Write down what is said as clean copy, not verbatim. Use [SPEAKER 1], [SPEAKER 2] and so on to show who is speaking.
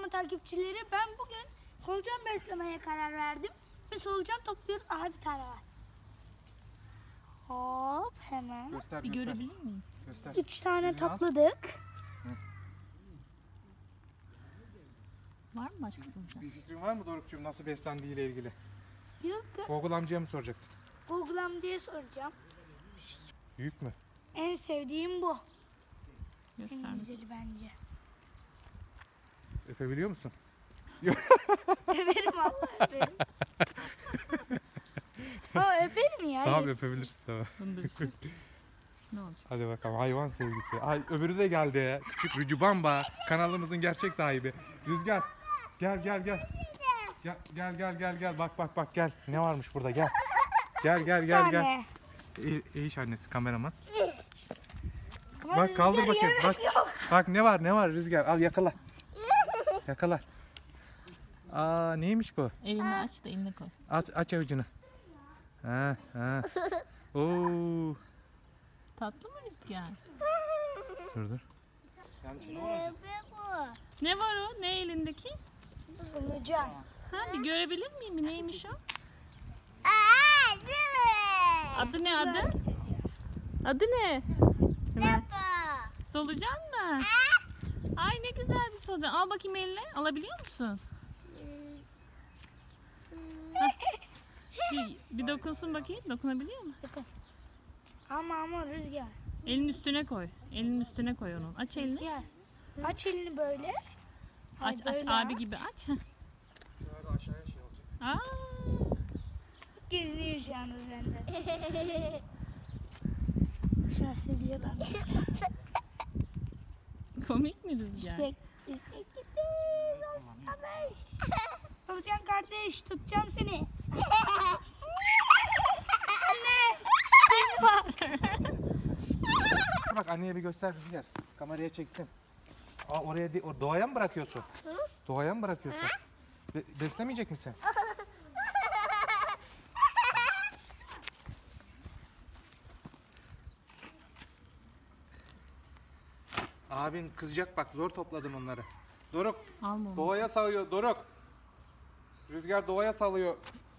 [SPEAKER 1] kanalıma takipçileri, ben bugün solucan beslemeye karar verdim. Ve solucan topluyoruz. Aha bir tane var. Hop hemen.
[SPEAKER 2] Göster,
[SPEAKER 3] Bir
[SPEAKER 2] göster.
[SPEAKER 3] görebilir miyim?
[SPEAKER 2] Göster.
[SPEAKER 1] 3 tane
[SPEAKER 2] Birini al.
[SPEAKER 1] topladık.
[SPEAKER 3] Var mı başka solucan?
[SPEAKER 2] Bir fikrin var mı Doruk'cum nasıl beslendiği ile ilgili?
[SPEAKER 1] Yok,
[SPEAKER 2] Google amcaya mı soracaksın?
[SPEAKER 1] Google'am diye soracağım.
[SPEAKER 2] Büyük mü?
[SPEAKER 1] En sevdiğim bu. En
[SPEAKER 3] Göster.
[SPEAKER 1] güzeli bence.
[SPEAKER 2] Öpebiliyor musun?
[SPEAKER 1] Öperim Allah öperim. Ha öperim ya.
[SPEAKER 2] Tamam öpebilirsin tamam.
[SPEAKER 3] Bunu da üstüne. Ne olacak?
[SPEAKER 2] Hadi bakalım hayvan sevgisi. Ay öbürü de geldi. Küçük Rücubamba kanalımızın gerçek sahibi. Rüzgar gel gel gel. Gel. Bak gel. Ne varmış burada gel. Gel.
[SPEAKER 1] Tane.
[SPEAKER 2] İyi annesi kameraman.
[SPEAKER 1] Ama
[SPEAKER 2] Bak kaldır
[SPEAKER 1] Rüzgar
[SPEAKER 2] bakayım.
[SPEAKER 1] yemek
[SPEAKER 2] Bak.
[SPEAKER 1] yok.
[SPEAKER 2] Bak ne var Rüzgar. Al yakala. Yakala. Aa neymiş bu?
[SPEAKER 3] Elini aç da eline koy.
[SPEAKER 2] Aç avucunu. Ha. Oo.
[SPEAKER 3] Tatlı mı Rüzgar?
[SPEAKER 2] Dur.
[SPEAKER 3] Ne var o? Ne elindeki?
[SPEAKER 1] Solucan.
[SPEAKER 3] Ha bir görebilir miyim? Neymiş o? Adı ne adı? Adı ne? Hemen. Solucan mı? Ay ne güzel bir solucan. Al bakayım eline. Alabiliyor musun? Bir dokunsun bakayım. Dokunabiliyor mu?
[SPEAKER 1] Ama Rüzgar.
[SPEAKER 3] Elin üstüne koy. Elinin üstüne koy onu. Aç elini.
[SPEAKER 1] Gel. Aç elini böyle.
[SPEAKER 3] Aç
[SPEAKER 1] Böyle
[SPEAKER 3] abi gibi aç. Heh.
[SPEAKER 2] Şöyle aşağıya şey olacak.
[SPEAKER 3] Aa,
[SPEAKER 1] Geziniyor şu anda sende. Dışarısı diyorlar.
[SPEAKER 3] komik mi Rüzgar?
[SPEAKER 1] İşte gitti. Kardeş. Solucan kardeş, tutacağım seni. Anne. Bak.
[SPEAKER 2] Bak anneye bir göster Rüzgar. Kameraya çeksin. Oraya doğaya mı bırakıyorsun? Doğaya mı bırakıyorsun? Beslemeyecek misin? Abin kızacak bak zor topladın onları. Doruk
[SPEAKER 3] Alma onu.
[SPEAKER 2] doğaya salıyor Doruk. Rüzgar doğaya salıyor.